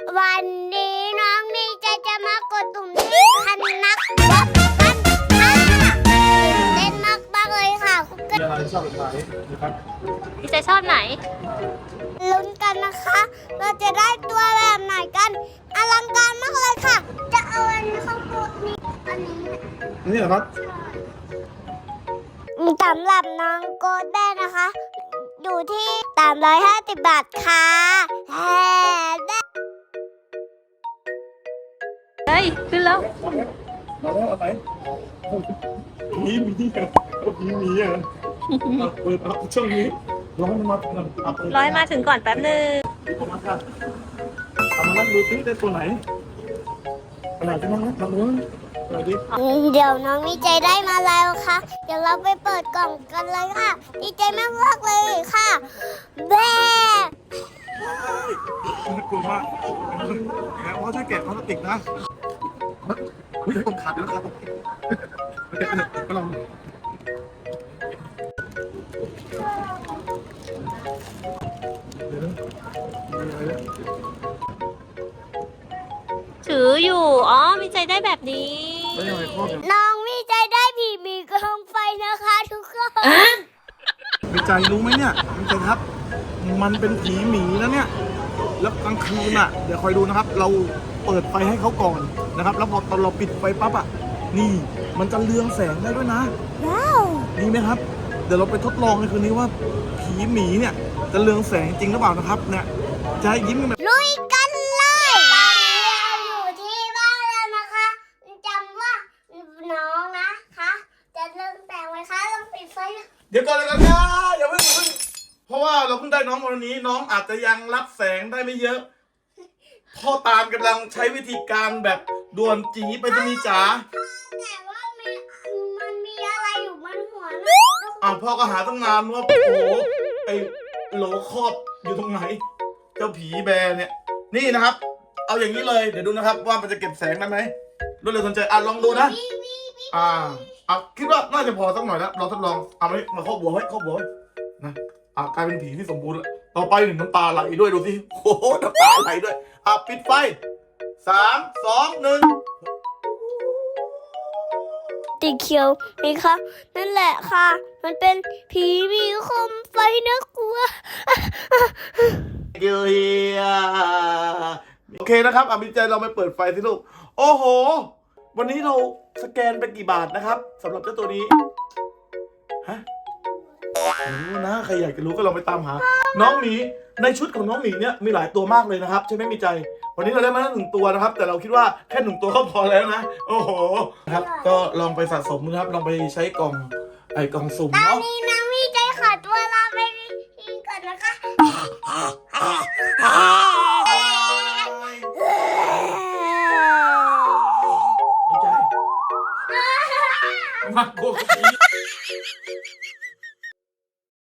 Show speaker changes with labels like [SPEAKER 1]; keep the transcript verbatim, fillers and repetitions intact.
[SPEAKER 1] วันนี้น้องมีใจจะมากดตุ่มที่คันนักบับกันค่ะเล่นมากมากเลยค่ะคุณเกิด
[SPEAKER 2] มีอะไรชอบแบบไหนนะครับ
[SPEAKER 3] พี่ใจชอบไหน
[SPEAKER 1] ลุ้นกันนะคะ เราจะได้ตัวแบบไหนกันอลังการมากเลยค่ะ จะเอาอันนี้เข้าตัวนี้อันนี้
[SPEAKER 2] นี่เหรอครับ
[SPEAKER 1] สำหรับน้องโกดแบนนะคะ อยู่ที่สามร้อยห้าสิบบาทค่ะแฮ่ได้
[SPEAKER 3] เฮ้ย ขึ้นแล้ว
[SPEAKER 2] มาแล้วเอาไปมีมีเหรอมีมีเหรอเอาเปิดเอาช่วงนี้ร้อยมาเอาเปิด
[SPEAKER 3] ร้อยมาถึงก่อนแป๊บนึง
[SPEAKER 2] เอามาค่ะเอามานั่งดูซิได้ตัวไหนขนาดที่นั่งนะลองดูหน่อยดิ
[SPEAKER 1] เดี๋ยวน้องมีใจได้มาแล้วค่ะ เดี๋ยวเราไปเปิดกล่องกันเลยค่ะ ดีใจมากมากๆเลยค่ะแบ
[SPEAKER 2] น่ากลัวมากแม้ว่าถ้าแกะพลาสติกนะเฮ้ยผมขาดแล้วครับก็ลอง
[SPEAKER 3] ถืออยู่ อ๋อ มีใจได้แบบนี้
[SPEAKER 2] ไม่ยังไงพ่อเนี่ย
[SPEAKER 1] น้องมีใจได้ผีมีกองไฟนะคะทุกคน
[SPEAKER 2] มีใจรู้ไหมเนี่ยมีใจครับ มันเป็นผีหมีนะเนี่ย แล้วกลางคืนอ่ะ เดี๋ยวคอยดูนะครับ เราเปิดไฟให้เขาก่อนนะครับ แล้วพอตอนเราปิดไฟปั๊บอ่ะ นี่ มันจะเรืองแสงได้ด้วยนะ
[SPEAKER 1] ว้าว
[SPEAKER 2] ดีไหมครับ เดี๋ยวเราไปทดลองในคืนนี้ว่าผีหมีเนี่ยจะเรืองแสงจริงหรือเปล่านะครับ เนี่ย จะให้ยิ้มกันแบบ
[SPEAKER 1] ลุยกันเลยตอนนี้เราอยู่ที่บ้านแล้วนะคะจำว่าน้องนะคะ จะเริ่มแต่งไหมคะลองปิดไฟนะ
[SPEAKER 2] เดี๋ยวก่อนเลยกันนะอย่าเพิ่งอย่าเพิ่งเพราะว่าเราเพิ่งได้น้องวันนี้ น้องอาจจะยังรับแสงได้ไม่เยอะ พ่อตาลกำลังใช้วิธีการแบบด่วนจีไปรษณีย์จ๋า
[SPEAKER 1] แต่ว่ามีมันมีอะไรอยู่บนหัวนะ
[SPEAKER 2] อ่าวพ่อก็หาตั้งนานว่าโอ้โหไอ้โหลครอบอยู่ตรงไหน เจ้าผีแบร์เนี่ย นี่นะครับ เอาอย่างนี้เลยเดี๋ยวดูนะครับ ว่ามันจะเก็บแสงได้ไหมรวดเร็วทันใจอ่ะลองดูนะ
[SPEAKER 1] วิววิววิว
[SPEAKER 2] อ่าอ่ะคิดว่าน่าจะพอสักหน่อยแล้วเราทดลองเอามามาครอบหัวไว้ครอบหัวไว้นะอ่ะกลายเป็นผีที่สมบูรณ์แล้วต่อไปหนึ่งน้ำตาไหลด้วยดูสิโอ้โหน้ำตาไหลด้วยอ่ะปิดไฟสามสองหนึ่ง
[SPEAKER 1] สีเขียวนี่คะนั่นแหละค่ะ มันเป็นผีมีคมไฟน่ากลัว
[SPEAKER 2] เกียโอเคนะครับอ่ะมีใจเราไปเปิดไฟสิลูกโอ้โห วันนี้เราสแกนไปกี่บาทนะครับสำหรับเจ้าตัวนี้ฮะไม่รู้นะใครอยากจะรู้ก็ลองไปตามหา น้องหมีในชุดของน้องหมีเนี่ยมีหลายตัวมากเลยนะครับใช่ไหมมีใจ วันนี้เราได้มาแล้วหนึ่งตัวนะครับ แต่เราคิดว่าแค่หนึ่งตัวก็พอแล้วนะ โอ้โหครับก็ลองไปสะสมนะครับลองไปใช้กล่องไอ้กล่องสุ่ม
[SPEAKER 1] ตอน
[SPEAKER 2] เนาะ
[SPEAKER 1] นี้น้องมีใจขอตัวลาไปกินก่อนนะคะ
[SPEAKER 2] ไม่ใจมากกว่าผี